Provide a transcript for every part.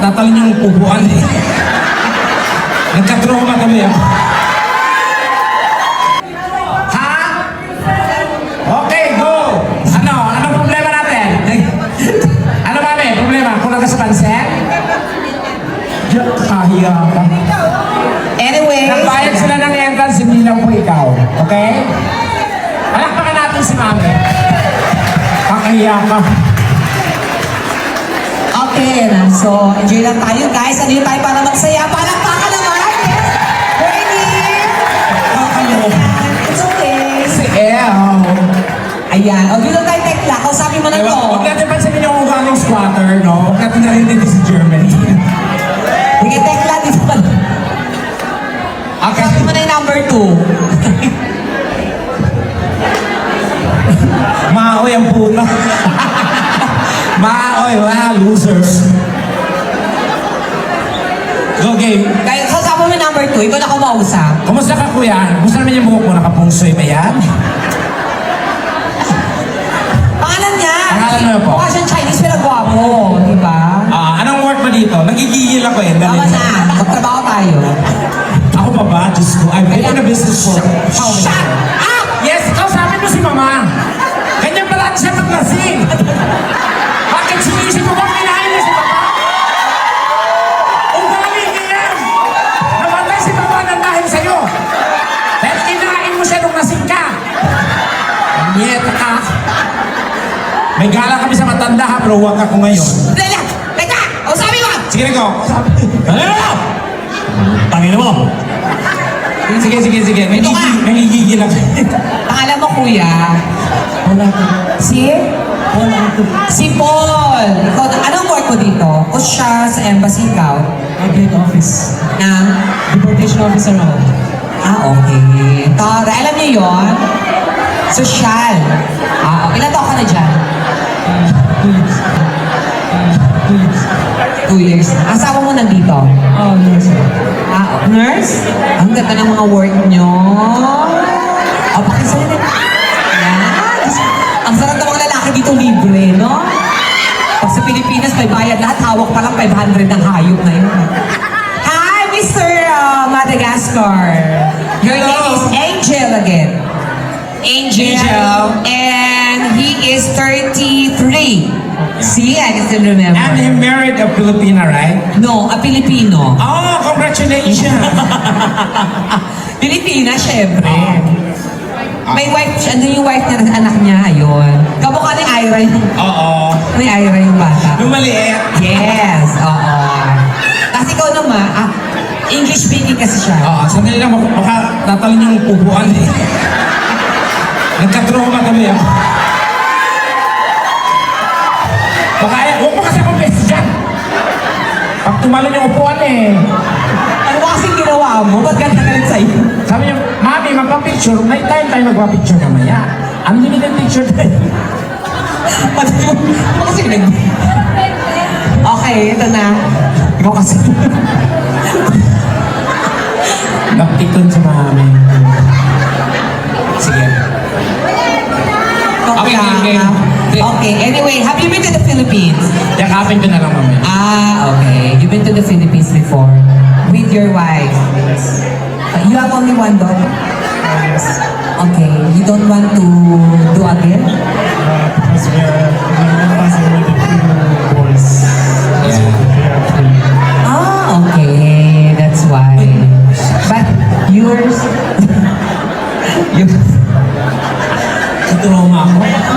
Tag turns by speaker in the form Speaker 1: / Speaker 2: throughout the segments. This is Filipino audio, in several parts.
Speaker 1: tatalon yung upuan eh. Nagka-trauma kami ah. Ha? Okay, go! Ano problema natin? Ano mami? Problema? Kulang ka sa pansin? Kahiya ka.
Speaker 2: Anyway,
Speaker 1: Nagbayad sila ng entrance, hindi lang po ikaw. Okay? Palakpakan natin si mami. Kakahiya ka.
Speaker 2: okay na. So, enjoy lang tayo guys. Ano tayo para magsaya? Palakpakan naman! Yes! Ready? It's okay.
Speaker 1: Si El.
Speaker 2: Ayan. O, dito tayo tekla. Kausapin mo na to.
Speaker 1: Huwag natin pansinin yung ugaling squatter, no? Huwag natin narinig si Germany.
Speaker 2: Sige, tekla. Dito pa.
Speaker 1: Okay.
Speaker 2: Kausapin mo na yung number 2.
Speaker 1: Maoy ang puta. Maoy, loser. Go game.
Speaker 2: Kaya kausapin mo yung number 2. Ikaw na kumausap.
Speaker 1: Kumusta ka kuya? Kumusta naman yung buhok mo? Nakapungsoy ba yan?
Speaker 2: Pangalan niya.
Speaker 1: Pangalan mo po?
Speaker 2: Mukha siyang Chinese pero gwapo. Diba?
Speaker 1: Anong work mo dito? Nagigigil ako eh.
Speaker 2: Tama na. Magtrabaho tayo.
Speaker 1: Ako pa ba? Diyos ko. I've been in a business for how many
Speaker 2: Shut
Speaker 1: years?
Speaker 2: up!
Speaker 1: Yes, kausapin mo si mama. Ganyan pala siya maglasing. Bakit sinisip mo ba kinain niya si papa? Ugali niya yan. Namatay si papa ng dahil sa'yo. Dahil kinain mo siya nung lasing ka. Nyeta ka. May gala kami sa matanda ha, pero huwag ako ngayon.
Speaker 2: Dala! Teka! Kausapin mo!
Speaker 1: Sige na ko. Tangin mo. Sige. Nagigigil ako.
Speaker 2: Pangalan mo, kuya? Si? Si Paul. Ikaw, anong work mo dito? O siya sa embassy, ikaw?
Speaker 3: Update office.
Speaker 2: Ng?
Speaker 3: Deportation officer ako.
Speaker 2: Okay. Tara, alam niyo yun? Sosyal. Ilan taon ka na dyan? 2 years na. Asawa mo nandito?
Speaker 3: Oh, yes.
Speaker 2: Nurse? Ang ganda ng mga work nyo. Pakisalita. Yan. Ang sarap ng mga lalaki dito libre, no? Pag sa Pilipinas, may bayad lahat. Hawak pa lang 500 ng hayop na yun. Hi, Mr. Madagascar. Your
Speaker 1: Hello.
Speaker 2: name is Angel again. Angel. And he is 33. See, I can still remember.
Speaker 1: And he married a Filipina, right?
Speaker 2: No, a Filipino.
Speaker 1: Oh, congratulations!
Speaker 2: Pilipina, syempre. May wife, ano yung wife niya, anak niya, ayun. Kamukha ni Ira yung,
Speaker 1: Oo.
Speaker 2: ni Ira yung bata.
Speaker 1: Yung maliit.
Speaker 2: Yes, oo. Kasi ikaw naman, English speaking kasi siya.
Speaker 1: Oo, sandali lang, baka tatalon yung upuan eh. Nagka-trauma kami ah. Baka, huwag mo kasi akong best dyan. Pag tumalon yung upuan eh.
Speaker 2: Ano ba kasing ginawa mo? Ba't ganda galit sa'yo?
Speaker 1: Sabi niya, Mami, magpa-picture. May time tayo magpa-picture mamaya. Unlimited picture tayo.
Speaker 2: Ano kasi nag... Okay, ito na.
Speaker 1: Ikaw kasi. Napikon si Mami. Sige. Okay.
Speaker 2: Okay, anyway, have you been to the Philippines?
Speaker 1: Yakapin ko na lang mamaya.
Speaker 2: Okay. You've been to the Philippines before? With your wife? You have only one daughter? Okay. You don't want to do again?
Speaker 3: Because we are passing with the two boys.
Speaker 1: Yeah.
Speaker 3: They are free.
Speaker 2: Okay. That's why. But yours?
Speaker 1: Trauma ako.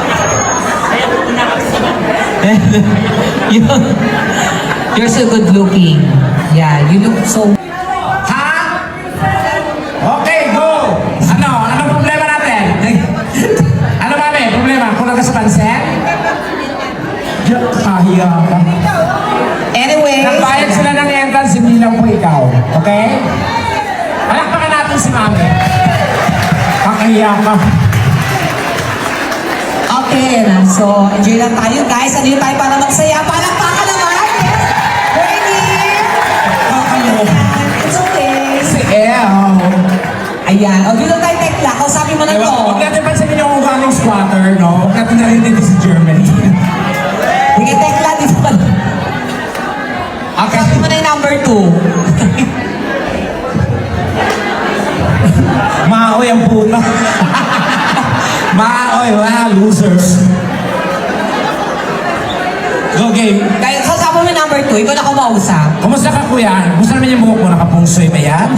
Speaker 2: You're so good looking. Yeah, you look so...
Speaker 1: Ha? Okay, go! Anong problema natin? Ano mami? Problema? Kulang ka sa pansin? Kahiya ka.
Speaker 2: Anyway...
Speaker 1: Nagbayad sila ng entrance, hindi lang po ikaw. Okay? Palakpakan natin si mami. Kakahiya ka.
Speaker 2: Okay na. So, enjoy lang tayo guys. Ano tayo para magsaya? Palakpakan naman! Yes! Ready? It's okay.
Speaker 1: Si El.
Speaker 2: Ayan. O, dito tayo tekla. Kausapin mo na to.
Speaker 1: Huwag natin pansinin yung ugaling squatter, no? Huwag natin narinig si Germany.
Speaker 2: Sige, tekla. Dito pa.
Speaker 1: Okay.
Speaker 2: Sabi mo na yung number 2.
Speaker 1: Maoy ang puno. Maoy, loser. Go game.
Speaker 2: Kaya kasama mo yung number 2, ikaw na kumausap.
Speaker 1: Kumusta ka kuya? Kumusta naman yung buhok mo? Nakapungsoy ba yan?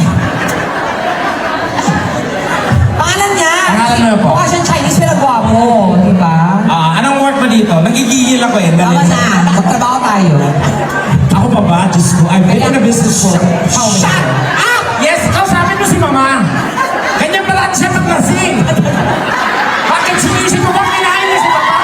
Speaker 2: Pangalan niya?
Speaker 1: Pangalan mo po?
Speaker 2: Mukha siyang Chinese pero gwapo, di ba?
Speaker 1: Anong work mo dito? Nagigigil ako eh.
Speaker 2: Tama na, magtrabaho tayo.
Speaker 1: Ako pa ba? Diyos ko. I've been in a business for how many
Speaker 2: Shut
Speaker 1: years?
Speaker 2: up!
Speaker 1: Yes, kausapin mo si mama. Ganyan pala siya maglasing. Bakit sinisip mo bang kinain niya si mama?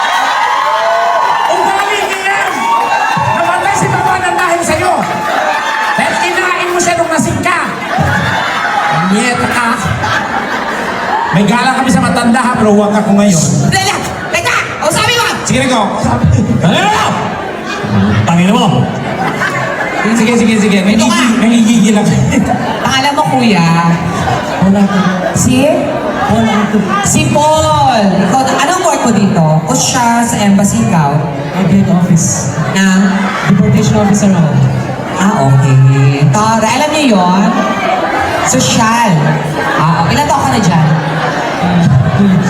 Speaker 1: Ugali niya yan. Namatay si mama ng dahil sa'yo. Dahil kinain mo siya nung lasing ka. Nieta ka. May gala kami sa matanda ha, pero huwag ako ngayon.
Speaker 2: Lala! Teka! O sabi mo!
Speaker 1: Sige na ko.
Speaker 3: Ano? Tangin mo.
Speaker 1: Sige.
Speaker 2: Ito ka.
Speaker 1: Nangigigil ako.
Speaker 2: Pangalan mo, kuya?
Speaker 3: Wala ko.
Speaker 2: Si?
Speaker 3: Wala ko.
Speaker 2: Si Paul! Ikaw, anong work mo dito? O siya sa embassy ikaw?
Speaker 3: Admin office.
Speaker 2: Na?
Speaker 3: Deportation officer ako.
Speaker 2: Okay. Tara, alam niyo yun? Sosyal. Ilan taon ka na dyan?
Speaker 3: 2 years.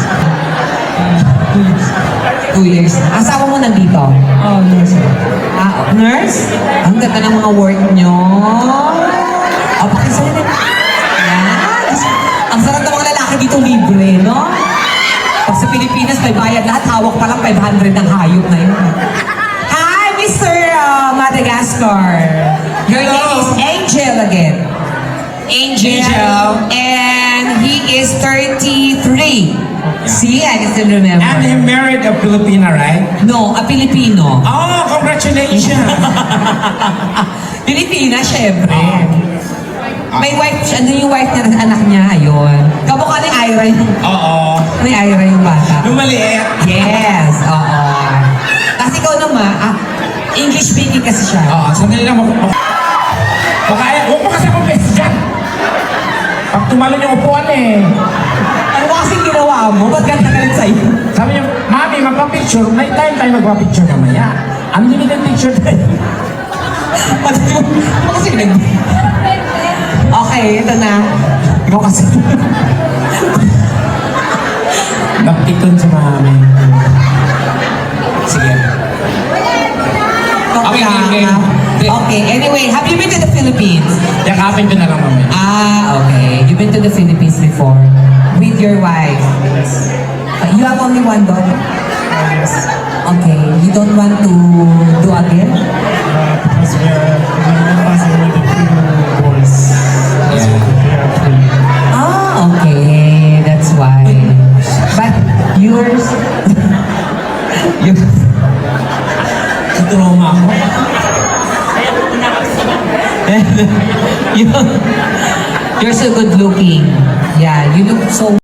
Speaker 2: 2 years. Asawa mo nandito?
Speaker 3: Oh, nurse.
Speaker 2: Nurse? Ang ganda ng mga work nyo. Pakisalita. Yan. Ang sarap ng mga lalaki dito libre, no? Pag sa Pilipinas, may bayad lahat. Hawak pa lang 500 ng hayop na yun. Hi, Mr. Madagascar. Your
Speaker 1: Hello.
Speaker 2: name is Angel again. Angel. And he is 33. See, I can still remember.
Speaker 1: And he married a Filipina, right?
Speaker 2: No, a Filipino.
Speaker 1: Oh, congratulations!
Speaker 2: Pilipina, syempre. May wife, ano yung wife niya, anak niya, ayun. Kamukha ni Ira yung,
Speaker 1: Oo.
Speaker 2: ni Ira yung bata.
Speaker 1: Nung maliit.
Speaker 2: Yes, oo. Kasi ikaw naman, English speaking kasi siya.
Speaker 1: Oo, sandali lang. Huwag mo kasi akong best dyan. Pag tumalon yung upuan eh.
Speaker 2: Ano ba kasing ginawa mo? Ba't ganda ka rin sa'yo?
Speaker 1: Sabi niya, Mami, magpa-picture. May time tayo magpa-picture mamaya. Unlimited picture tayo.
Speaker 2: Ano kasi nag... Okay, ito na. Ikaw kasi.
Speaker 1: Napiton si Mami. Sige. Okay, game.
Speaker 2: Okay, anyway, have you been to the Philippines?
Speaker 1: Yakapin ko na lang mamaya.
Speaker 2: Okay. You've been to the Philippines before with your wife. You have only one daughter? Okay. You don't want to do again?
Speaker 3: Because we're passing with the 2 boys. So we are free.
Speaker 2: Okay. That's why. But yours?
Speaker 1: Trauma ako.
Speaker 2: You're so good looking. Yeah, you look so